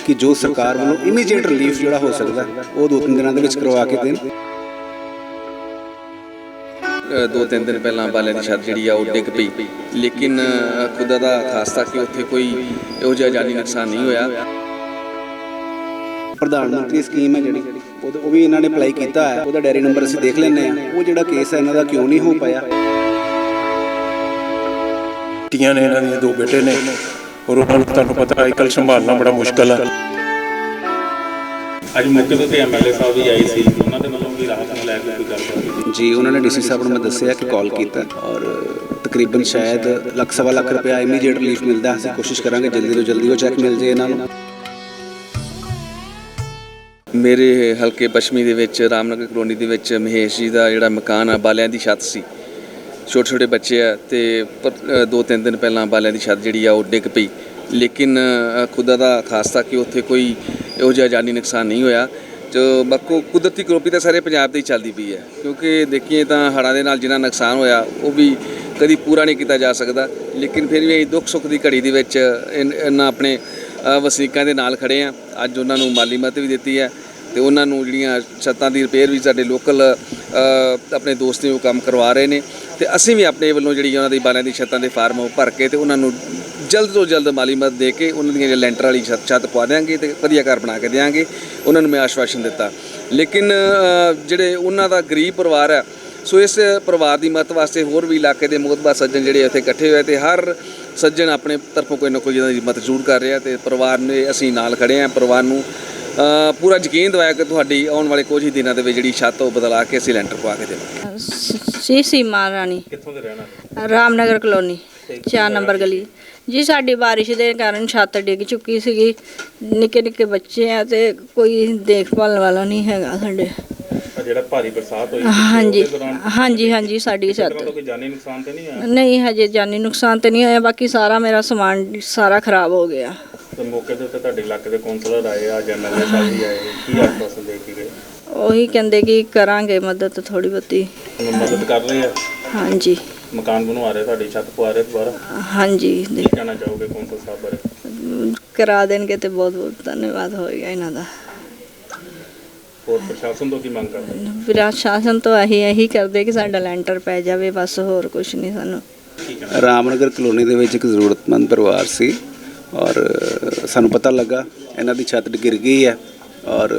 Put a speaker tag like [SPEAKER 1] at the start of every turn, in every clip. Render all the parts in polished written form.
[SPEAKER 1] कि जो सरकार वालों इमीडिएट रिलीफ जोड़ा हो सकता है वो 2-3 दिनों के करवा के देन।
[SPEAKER 2] 2-3 दिन पहला बालिਆਂ ਦੀ ਛੱਤ ਜਿਹੜੀ ਆ ਉਹ ਡਿੱਗ ਪਈ, ਲੇਕਿਨ ਖੁਦਾ ਦਾ ਖਾਸਤਾ ਕਿ ਉੱਥੇ ਕੋਈ ਇਹੋ ਜਿਹਾ ਜਾਨੀ ਨੁਕਸਾਨ ਨਹੀਂ ਹੋਇਆ।
[SPEAKER 1] ਪ੍ਰਧਾਨ ਮੰਤਰੀ ਸਕੀਮ ਹੈ ਜਿਹੜੀ ਉਹ ਵੀ ਇਹਨਾਂ ਨੇ ਅਪਲਾਈ ਕੀਤਾ ਹੈ, ਉਹਦਾ ਡਾਇਰੀ ਨੰਬਰ ਅਸੀਂ ਦੇਖ ਲੈਂਦੇ ਹਾਂ। ਉਹ ਜਿਹੜਾ ਕੇਸ ਹੈ ਇਹਨਾਂ ਦਾ ਕਿਉਂ ਨਹੀਂ ਹੋ ਪਾਇਆ।
[SPEAKER 3] ਧੀਆਂ ਨੇ ਇਹਨਾਂ ਦੀਆਂ 2 ਬੇਟੇ ਨੇ ਔਰ ਉਹਨਾਂ ਨੂੰ ਤੁਹਾਨੂੰ ਪਤਾ ਅੱਜ ਕੱਲ੍ਹ ਸੰਭਾਲਣਾ ਬੜਾ ਮੁਸ਼ਕਲ ਹੈ।
[SPEAKER 4] ਅੱਜ ਮੌਕੇ ਤੇ ਐਮਐਲਏ ਸਾਹਿਬ ਵੀ ਆਏ ਸੀ, ਉਹਨਾਂ ਦੇ ਵੱਲੋਂ ਵੀ ਰਾਹਤ ਨੂੰ ਲੈ ਕੇ ਕੋਈ ਗੱਲ
[SPEAKER 1] ਜੀ ਉਹਨਾਂ ਨੇ ਡੀਸੀ ਸਾਹਿਬ ਨੂੰ ਮੈਂ ਦੱਸਿਆ ਕਿ ਕਾਲ ਕੀਤਾ ਔਰ ਤਕਰੀਬਨ ਸ਼ਾਇਦ ਲੱਖ-ਸਵਾ ਲੱਖ ਰੁਪਇਆ ਇਮੀਡੀਏਟ ਰਿਲੀਫ ਮਿਲਦਾ। ਅਸੀਂ ਕੋਸ਼ਿਸ਼ ਕਰਾਂਗੇ ਜਲਦੀ ਤੋਂ ਜਲਦੀ ਉਹ ਚੈੱਕ ਮਿਲ ਜੇ ਇਹਨਾਂ ਨੂੰ।
[SPEAKER 2] ਮੇਰੇ ਹਲਕੇ ਪੱਛਮੀ ਦੇ ਵਿੱਚ ਰਾਮਨਗਰ ਕਲੋਨੀ ਦੇ ਵਿੱਚ ਮਹੇਸ਼ ਜੀ ਦਾ ਜਿਹੜਾ ਮਕਾਨ ਆ ਬਾਲਿਆਂ ਦੀ ਛੱਤ ਸੀ, ਛੋਟੇ ਛੋਟੇ ਬੱਚੇ ਆ ਤੇ 2-3 ਦਿਨ ਪਹਿਲਾਂ ਬਾਲਿਆਂ ਦੀ ਛੱਤ ਜਿਹੜੀ ਆ ਉਹ ਡਿੱਗ ਪਈ, ਲੇਕਿਨ ਖੁਦਾ ਦਾ ਖਾਸਤਾ ਕਿ ਉੱਥੇ ਕੋਈ ਇਹੋ ਜਿਹਾ ਜਾਨੀ ਨੁਕਸਾਨ ਨਹੀਂ ਹੋਇਆ। ਜੋ ਬਾਕੀ ਕੁਦਰਤੀ ਕਰੋਪੀ ਤਾਂ ਸਾਰੇ ਪੰਜਾਬ ਦੇ ਹੀ ਚੱਲਦੀ ਪਈ ਹੈ, ਕਿਉਂਕਿ ਦੇਖੀਏ ਤਾਂ ਹੜ੍ਹਾਂ ਦੇ ਨਾਲ ਜਿੰਨਾ ਨੁਕਸਾਨ ਹੋਇਆ ਉਹ ਵੀ ਕਦੀ ਪੂਰਾ ਨਹੀਂ ਕੀਤਾ ਜਾ ਸਕਦਾ, ਲੇਕਿਨ ਫਿਰ ਵੀ ਅਸੀਂ ਦੁੱਖ ਸੁੱਖ ਦੀ ਘੜੀ ਦੇ ਵਿੱਚ ਇਹਨਾਂ ਆਪਣੇ ਵਸਨੀਕਾਂ ਦੇ ਨਾਲ ਖੜ੍ਹੇ ਹਾਂ। ਅੱਜ ਉਹਨਾਂ ਨੂੰ ਮਾਲੀ ਮਦਦ ਵੀ ਦਿੱਤੀ ਹੈ ਅਤੇ ਉਹਨਾਂ ਨੂੰ ਜਿਹੜੀਆਂ ਛੱਤਾਂ ਦੀ ਰਿਪੇਅਰ ਵੀ ਸਾਡੇ ਲੋਕਲ ਆਪਣੇ ਦੋਸਤ ਨੇ ਉਹ ਕੰਮ ਕਰਵਾ ਰਹੇ ਨੇ, ਅਤੇ ਅਸੀਂ ਵੀ ਆਪਣੇ ਵੱਲੋਂ ਜਿਹੜੀ ਉਹਨਾਂ ਦੀ ਬਾਲਿਆਂ ਦੀ ਛੱਤਾਂ ਦੇ ਫਾਰਮ ਉਹ ਭਰ ਕੇ ਅਤੇ ਉਹਨਾਂ ਨੂੰ ਜਲਦ ਤੋਂ ਜਲਦ ਮਾਲੀ ਮਦਦ ਦੇ ਕੇ ਉਹਨਾਂ ਦੀਆਂ ਲੈਂਟਰ ਵਾਲੀ ਛੱਤ ਪਵਾ ਦਿਆਂਗੇ ਅਤੇ ਵਧੀਆ ਘਰ ਬਣਾ ਕੇ ਦਿਆਂਗੇ। ਉਹਨਾਂ ਨੂੰ ਮੈਂ ਆਸ਼ਵਾਸਨ ਦਿੱਤਾ। ਲੇਕਿਨ ਜਿਹੜੇ ਉਹਨਾਂ ਦਾ ਗਰੀਬ ਪਰਿਵਾਰ ਹੈ, ਸੋ ਇਸ ਪਰਿਵਾਰ ਦੀ ਮਦਦ ਵਾਸਤੇ ਹੋਰ ਵੀ ਇਲਾਕੇ ਦੇ ਮੁਤਬਰ ਸੱਜਣ ਜਿਹੜੇ ਇੱਥੇ ਇਕੱਠੇ ਹੋਏ ਅਤੇ ਹਰ ਸੱਜਣ ਆਪਣੇ ਤਰਫੋਂ ਕੋਈ ਨਾ ਕੋਈ ਇਹਨਾਂ ਦੀ ਮਦਦ ਜ਼ਰੂਰ ਕਰ ਰਿਹਾ ਅਤੇ ਪਰਿਵਾਰ ਨੇ ਅਸੀਂ ਨਾਲ ਖੜ੍ਹੇ ਹਾਂ। ਪਰਿਵਾਰ ਨੂੰ ਪੂਰਾ ਯਕੀਨ ਦਿਵਾਇਆ ਕਿ ਤੁਹਾਡੀ ਆਉਣ ਵਾਲੇ ਕੁਝ ਹੀ ਦਿਨਾਂ ਦੇ ਵਿੱਚ ਜਿਹੜੀ ਛੱਤ ਉਹ ਬਦਲਾ ਕੇ ਅਸੀਂ ਲੈਂਟਰ ਪਵਾ ਕੇ ਦੇਵਾਂਗੇ।
[SPEAKER 5] ਸੀਮਾ ਰਾਣੀ,
[SPEAKER 4] ਕਿੱਥੋਂ ਦੇ ਰਹਿਣਾ?
[SPEAKER 5] ਰਾਮਨਗਰ ਕਲੋਨੀ 4 ਨੰਬਰ ਗਲੀ ਜੀ। ਸਾਡੀ ਬਾਰਿਸ਼ ਦੇ ਕਾਰਨ ਛੱਤ ਡਿੱਗ ਚੁੱਕੀ ਸੀਗੀ, ਨਿੱਕੇ ਨਿੱਕੇ ਬੱਚੇ ਆ ਤੇ ਕੋਈ ਦੇਖਭਾਲ ਵਾਲਾ ਨਹੀਂ ਹੈਗਾ ਸਾਡੇ।
[SPEAKER 4] ਜਿਹੜਾ ਭਾਰੀ ਬਰਸਾਤ ਹੋਈ
[SPEAKER 5] ਹਾਂਜੀ ਸਾਡੀ ਛੱਤ
[SPEAKER 4] ਕੋਈ ਜਾਨੀ ਨੁਕਸਾਨ ਤੇ ਨਹੀਂ ਆਇਆ?
[SPEAKER 5] ਨਹੀਂ, ਹਜੇ ਜਾਨੀ ਨੁਕਸਾਨ ਤੇ ਨਹੀਂ ਹੋਇਆ, ਬਾਕੀ ਸਾਰਾ ਮੇਰਾ ਸਮਾਨ ਸਾਰਾ ਖਰਾਬ ਹੋ ਗਿਆ।
[SPEAKER 4] ਤੇ ਮੌਕੇ ਦੇ ਉੱਤੇ ਤੁਹਾਡੇ ਇਲਾਕੇ ਦੇ ਕੌਂਸਲਰ ਆਏ ਆ, ਐਮਐਲਏ ਸਾਹਿਬ ਵੀ ਆਏ, ਕੀ ਆਸ਼ਵਾਸਨ ਦੇ ਕੇ ਗਏ?
[SPEAKER 5] ਉਹੀ ਕਹਿੰਦੇ ਕਿ ਕਰਾਂਗੇ ਮਦਦ ਥੋੜੀ ਬਹੁਤੀ।
[SPEAKER 4] ਮਦਦ ਕਰ ਰਹੇ ਆ?
[SPEAKER 5] ਹਾਂਜੀ।
[SPEAKER 4] ਮਕਾਨ ਬਣਵਾ ਰਹੇ, ਤੁਹਾਡੀ ਛੱਤ ਪਵਾ ਰਹੇ ਦੁਬਾਰਾ?
[SPEAKER 5] ਹਾਂਜੀ।
[SPEAKER 4] ਕੀ ਕਹਿਣਾ ਚਾਹੋਗੇ ਕੌਂਸਲ ਸਾਹਿਬ ਬਾਰੇ?
[SPEAKER 5] ਕਰਾ ਦੇਣਗੇ ਤੇ ਬਹੁਤ ਬਹੁਤ ਧੰਨਵਾਦ ਹੋਏਗਾ ਇਹਨਾਂ ਦਾ।
[SPEAKER 4] ਹੋਰ ਪ੍ਰਸ਼ਾਸਨ ਤੋਂ ਕੀ ਮੰਗ ਕਰਦੇ?
[SPEAKER 5] ਪ੍ਰਸ਼ਾਸਨ ਤੋਂ ਇਹੀ ਕਰਦੇ ਕਿ ਸਾਡਾ ਲੈਂਟਰ ਪੈ ਜਾਵੇ, ਬਸ ਹੋਰ ਕੁਝ ਨਹੀਂ ਸਾਨੂੰ।
[SPEAKER 1] ਰਾਮਨਗਰ ਕਲੋਨੀ ਦੇ ਵਿੱਚ ਇੱਕ ਜ਼ਰੂਰਤਮੰਦ ਪਰਿਵਾਰ ਸੀ ਔਰ ਸਾਨੂੰ ਪਤਾ ਲੱਗਾ ਇਹਨਾਂ ਦੀ ਛੱਤ ਗਿਰ ਗਈ ਹੈ ਔਰ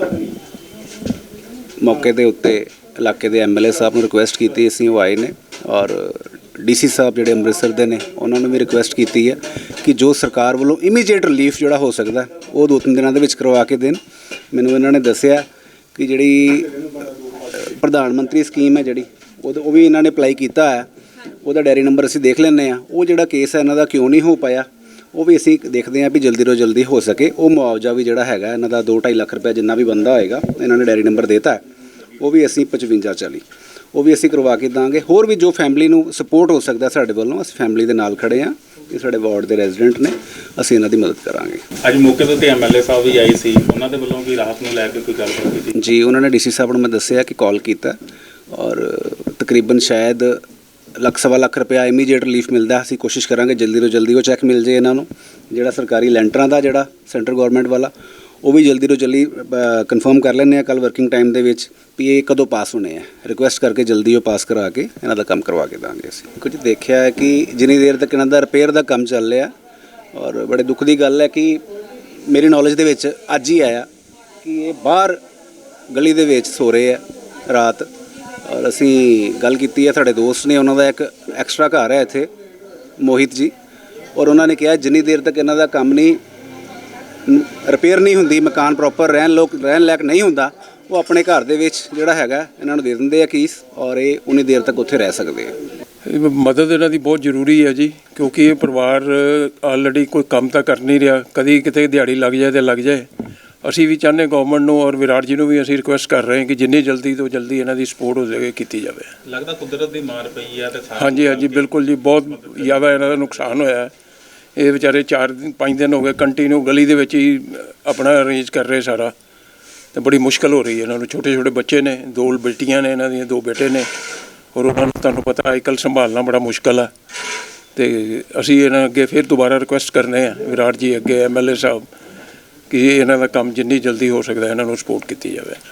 [SPEAKER 1] ਮੌਕੇ ਦੇ ਉੱਤੇ ਇਲਾਕੇ ਦੇ ਐਮਐਲਏ ਸਾਹਿਬ ਨੂੰ ਰਿਕੁਐਸਟ ਕੀਤੀ, ਅਸੀਂ ਉਹ ਆਏ ਨੇ ਔਰ ਡੀਸੀ ਸਾਹਿਬ ਜਿਹੜੇ ਅੰਮ੍ਰਿਤਸਰ ਦੇ ਨੇ ਉਹਨਾਂ ਨੂੰ ਵੀ ਰਿਕੁਐਸਟ ਕੀਤੀ ਹੈ ਕਿ ਜੋ ਸਰਕਾਰ ਵੱਲੋਂ ਇਮੀਡੀਏਟ ਰਿਲੀਫ ਜਿਹੜਾ ਹੋ ਸਕਦਾ ਉਹ 2-3 ਦਿਨਾਂ ਦੇ ਵਿੱਚ ਕਰਵਾ ਕੇ ਦੇਣ। ਮੈਨੂੰ ਇਹਨਾਂ ਨੇ ਦੱਸਿਆ ਕਿ ਜਿਹੜੀ ਪ੍ਰਧਾਨ ਮੰਤਰੀ ਸਕੀਮ ਹੈ ਜਿਹੜੀ ਉਹ ਵੀ ਇਹਨਾਂ ਨੇ ਅਪਲਾਈ ਕੀਤਾ ਹੈ, ਉਹਦਾ ਡਾਇਰੀ ਨੰਬਰ ਅਸੀਂ ਦੇਖ ਲੈਂਦੇ ਹਾਂ। ਉਹ ਜਿਹੜਾ ਕੇਸ ਹੈ ਇਹਨਾਂ ਦਾ ਕਿਉਂ ਨਹੀਂ ਹੋ ਪਾਇਆ ਉਹ ਵੀ ਅਸੀਂ ਦੇਖਦੇ ਹਾਂ ਵੀ ਜਲਦੀ ਤੋਂ ਜਲਦੀ ਹੋ ਸਕੇ। ਉਹ ਮੁਆਵਜ਼ਾ ਵੀ ਜਿਹੜਾ ਹੈਗਾ ਇਹਨਾਂ ਦਾ 2-2.5 ਲੱਖ ਰੁਪਏ ਜਿੰਨਾ ਵੀ ਬੰਦਾ ਹੋਏਗਾ, ਇਹਨਾਂ ਨੇ ਡਾਇਰੀ ਨੰਬਰ ਦੇਤਾ, ਉਹ ਵੀ ਅਸੀਂ 5540 ਉਹ ਵੀ ਅਸੀਂ ਕਰਵਾ ਕੇ ਦਾਂਗੇ। ਹੋਰ ਵੀ ਜੋ ਫੈਮਿਲੀ ਨੂੰ ਸਪੋਰਟ ਹੋ ਸਕਦਾ ਸਾਡੇ ਵੱਲੋਂ, ਅਸੀਂ ਫੈਮਿਲੀ ਦੇ ਨਾਲ ਖੜ੍ਹੇ ਹਾਂ। ਇਹ ਸਾਡੇ ਵਾਰਡ ਦੇ ਰੈਜ਼ੀਡੈਂਟ ਨੇ, ਅਸੀਂ ਇਹਨਾਂ ਦੀ ਮਦਦ ਕਰਾਂਗੇ।
[SPEAKER 4] ਅੱਜ ਮੌਕੇ ਦੇ ਉੱਤੇ ਐਮਐਲਏ ਸਾਹਿਬ ਵੀ ਆਏ ਸੀ, ਉਹਨਾਂ ਦੇ ਵੱਲੋਂ ਵੀ ਰਾਹਤ ਨੂੰ ਲੈ ਕੇ ਕੋਈ ਗੱਲ ਕੀਤੀ
[SPEAKER 1] ਜੀ। ਉਹਨਾਂ ਨੇ ਡੀਸੀ ਸਾਹਿਬ ਨੂੰ ਮੈਂ ਦੱਸਿਆ ਕਿ ਕਾਲ ਕੀਤਾ ਔਰ ਤਕਰੀਬਨ ਸ਼ਾਇਦ ਲੱਖ-ਸਵਾ ਲੱਖ ਰੁਪਇਆ ਇਮੀਡੀਏਟ ਰਿਲੀਫ ਮਿਲਦਾ। ਅਸੀਂ ਕੋਸ਼ਿਸ਼ ਕਰਾਂਗੇ ਜਲਦੀ ਤੋਂ ਜਲਦੀ ਉਹ ਚੈੱਕ ਮਿਲ ਜੇ ਇਹਨਾਂ ਨੂੰ। ਜਿਹੜਾ ਸਰਕਾਰੀ ਲੈਂਟਰਾਂ ਦਾ ਜਿਹੜਾ ਸੈਂਟਰ ਗੌਰਮੈਂਟ ਵਾਲਾ ਉਹ ਵੀ ਜਲਦੀ ਤੋਂ ਜਲਦੀ ਕਨਫਰਮ ਕਰ ਲੈਂਦੇ ਹਾਂ ਕੱਲ੍ਹ ਵਰਕਿੰਗ ਟਾਈਮ ਦੇ ਵਿੱਚ ਵੀ ਇਹ ਕਦੋਂ ਪਾਸ ਹੋਣੇ ਆ। ਰਿਕੁਐਸਟ ਕਰਕੇ ਜਲਦੀ ਉਹ ਪਾਸ ਕਰਾ ਕੇ ਇਹਨਾਂ ਦਾ ਕੰਮ ਕਰਵਾ ਕੇ ਦਾਂਗੇ। ਅਸੀਂ ਕੁਝ ਦੇਖਿਆ ਹੈ ਕਿ ਜਿੰਨੀ ਦੇਰ ਤੱਕ ਇਹਨਾਂ ਦਾ ਰਿਪੇਅਰ ਦਾ ਕੰਮ ਚੱਲ ਰਿਹਾ ਔਰ ਬੜੇ ਦੁੱਖ ਦੀ ਗੱਲ ਹੈ ਕਿ ਮੇਰੀ ਨੌਲੇਜ ਦੇ ਵਿੱਚ ਅੱਜ ਹੀ ਆਇਆ ਕਿ ਇਹ ਬਾਹਰ ਗਲੀ ਦੇ ਵਿੱਚ ਸੋ ਰਹੇ ਆ ਰਾਤ। ਔਰ ਅਸੀਂ ਗੱਲ ਕੀਤੀ ਹੈ, ਸਾਡੇ ਦੋਸਤ ਨੇ, ਉਹਨਾਂ ਦਾ ਇੱਕ ਐਕਸਟਰਾ ਘਰ ਹੈ ਇੱਥੇ, ਮੋਹਿਤ ਜੀ, ਔਰ ਉਹਨਾਂ ਨੇ ਕਿਹਾ ਜਿੰਨੀ ਦੇਰ ਤੱਕ ਇਹਨਾਂ ਦਾ ਕੰਮ ਨਹੀਂ ਰਿਪੇਅਰ ਨਹੀਂ ਹੁੰਦੀ, ਮਕਾਨ ਪ੍ਰੋਪਰ ਰਹਿਣ ਲਾਇਕ ਨਹੀਂ ਹੁੰਦਾ, ਉਹ ਆਪਣੇ ਘਰ ਦੇ ਵਿੱਚ ਜਿਹੜਾ ਹੈਗਾ ਇਹਨਾਂ ਨੂੰ ਦੇ ਦਿੰਦੇ ਆ ਕੀਸ ਔਰ ਇਹ ਉਨੀ ਦੇਰ ਤੱਕ ਉੱਥੇ ਰਹਿ ਸਕਦੇ ਆ।
[SPEAKER 3] ਮਦਦ ਇਹਨਾਂ ਦੀ ਬਹੁਤ ਜ਼ਰੂਰੀ ਹੈ ਜੀ, ਕਿਉਂਕਿ ਇਹ ਪਰਿਵਾਰ ਆਲਰੇਡੀ ਕੋਈ ਕੰਮ ਤਾਂ ਕਰ ਨਹੀਂ ਰਿਹਾ, ਕਦੀ ਕਿਤੇ ਦਿਹਾੜੀ ਲੱਗ ਜਾਏ ਤੇ ਲੱਗ ਜਾਏ। ਅਸੀਂ ਵੀ ਚਾਹੁੰਦੇ ਗਵਰਨਮੈਂਟ ਨੂੰ ਔਰ ਵਿਰਾਟ ਜੀ ਨੂੰ ਵੀ ਅਸੀਂ ਰਿਕੁਐਸਟ ਕਰ ਰਹੇ ਹਾਂ ਕਿ ਜਿੰਨੀ ਜਲਦੀ ਤੋਂ ਜਲਦੀ ਇਹਨਾਂ ਦੀ ਸਪੋਰਟ ਹੋ ਜਾਵੇ ਕੀਤੀ ਜਾਵੇ।
[SPEAKER 4] ਲੱਗਦਾ ਕੁਦਰਤ ਦੀ ਮਾਰ ਪਈ ਆ ਤੇ
[SPEAKER 3] ਹਾਂਜੀ ਬਿਲਕੁਲ ਜੀ, ਬਹੁਤ ਜ਼ਿਆਦਾ ਇਹਨਾਂ ਦਾ ਨੁਕਸਾਨ ਹੋਇਆ। ਇਹ ਵਿਚਾਰੇ 4-5 ਦਿਨ ਹੋ ਗਏ ਕੰਟੀਨਿਊ ਗਲੀ ਦੇ ਵਿੱਚ ਹੀ ਆਪਣਾ ਅਰੇਂਜ ਕਰ ਰਹੇ ਸਾਰਾ, ਅਤੇ ਬੜੀ ਮੁਸ਼ਕਿਲ ਹੋ ਰਹੀ ਹੈ ਇਹਨਾਂ ਨੂੰ। ਛੋਟੇ ਛੋਟੇ ਬੱਚੇ ਨੇ, 2 ਬੇਟੀਆਂ ਨੇ, ਇਹਨਾਂ ਦੀਆਂ 2 ਬੇਟੇ ਨੇ ਔਰ ਉਹਨਾਂ ਨੂੰ ਤੁਹਾਨੂੰ ਪਤਾ ਅੱਜ ਕੱਲ੍ਹ ਸੰਭਾਲਣਾ ਬੜਾ ਮੁਸ਼ਕਿਲ ਹੈ। ਅਤੇ ਅਸੀਂ ਇਹਨਾਂ ਅੱਗੇ ਫਿਰ ਦੁਬਾਰਾ ਰਿਕੁਐਸਟ ਕਰਨੇ ਆ ਵਿਰਾਟ ਜੀ ਅੱਗੇ, ਐਮਐਲਏ ਸਾਹਿਬ ਕਿ ਇਹਨਾਂ ਦਾ ਕੰਮ ਜਿੰਨੀ ਜਲਦੀ ਹੋ ਸਕਦਾ ਇਹਨਾਂ ਨੂੰ ਸਪੋਰਟ ਕੀਤੀ ਜਾਵੇ।